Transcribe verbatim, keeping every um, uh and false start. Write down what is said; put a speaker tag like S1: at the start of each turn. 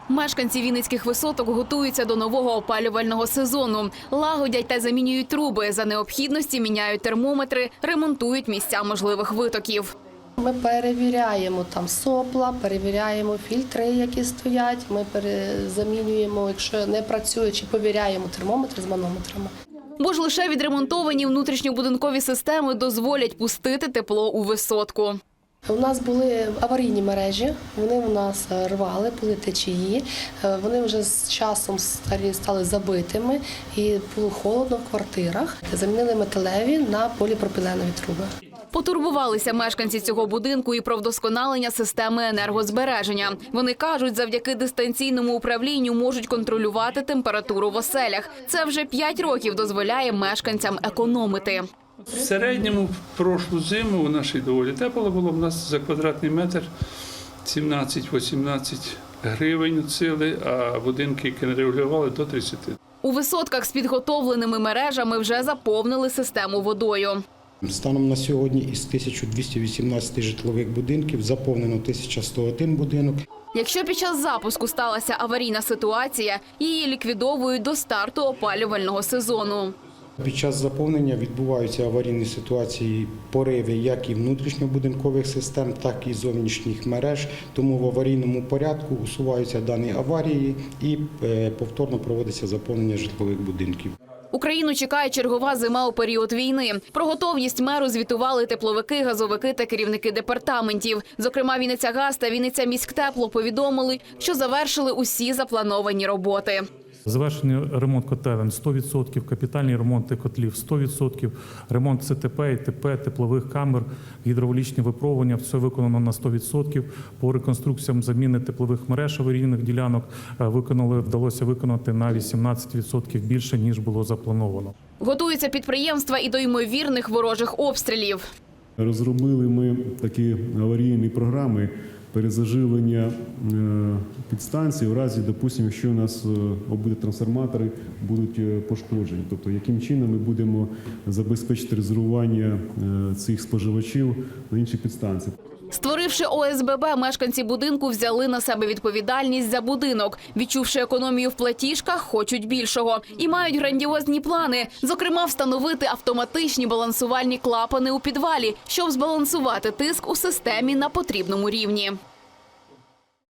S1: Мешканці вінницьких висоток готуються до нового опалювального сезону. Лагодять та замінюють труби. За необхідності міняють термометри, ремонтують місця можливих витоків.
S2: Ми перевіряємо там сопла, перевіряємо фільтри, які стоять. Ми замінюємо, якщо не працює, чи повіряємо термометри з манометрами.
S1: Бо ж лише відремонтовані внутрішньобудинкові системи дозволять пустити тепло у висотку.
S2: У нас були аварійні мережі, вони у нас рвали, були течії, вони вже з часом стали забитими і було холодно в квартирах. Замінили металеві на поліпропіленові труби.
S1: Потурбувалися мешканці цього будинку і про вдосконалення системи енергозбереження. Вони кажуть, завдяки дистанційному управлінню можуть контролювати температуру в оселях. Це вже п'ять років дозволяє мешканцям економити.
S3: В середньому в прошлу зиму у нашій доволі тепло було. У нас за квадратний метр сімнадцять-вісімнадцять гривень цили, а будинки, які не регулювали, до тридцяти.
S1: У висотках з підготовленими мережами вже заповнили систему водою.
S4: Станом на сьогодні із тисяча двісті вісімнадцять житлових будинків заповнено тисяча сто один будинок.
S1: Якщо під час запуску сталася аварійна ситуація, її ліквідовують до старту опалювального сезону.
S4: Під час заповнення відбуваються аварійні ситуації, пориви як і внутрішньобудинкових систем, так і зовнішніх мереж. Тому в аварійному порядку усуваються дані аварії і повторно проводиться заповнення житлових будинків.
S1: Україну чекає чергова зима у період війни. Про готовність меру звітували тепловики, газовики та керівники департаментів. Зокрема, Вінницягаз та Вінницяміськтепло повідомили, що завершили усі заплановані роботи.
S5: Завершений ремонт котелень – сто відсотків, капітальні ремонти котлів – сто відсотків, ремонт С Т П, І Т П, теплових камер, гідравлічні випробування – все виконано на сто відсотків. По реконструкціям заміни теплових мереж аварійних ділянок виконали, вдалося виконати на вісімнадцять відсотків більше, ніж було заплановано.
S1: Готуються підприємства і до ймовірних ворожих обстрілів.
S6: Розробили ми такі аварійні програми перезаживлення підстанцій у разі, допустимо, якщо у нас облтрансформатори будуть пошкоджені. Тобто, яким чином ми будемо забезпечити резервування цих споживачів на інші підстанції.
S1: Створивши О С Б Б, мешканці будинку взяли на себе відповідальність за будинок. Відчувши економію в платіжках, хочуть більшого. І мають грандіозні плани. Зокрема, встановити автоматичні балансувальні клапани у підвалі, щоб збалансувати тиск у системі на потрібному рівні.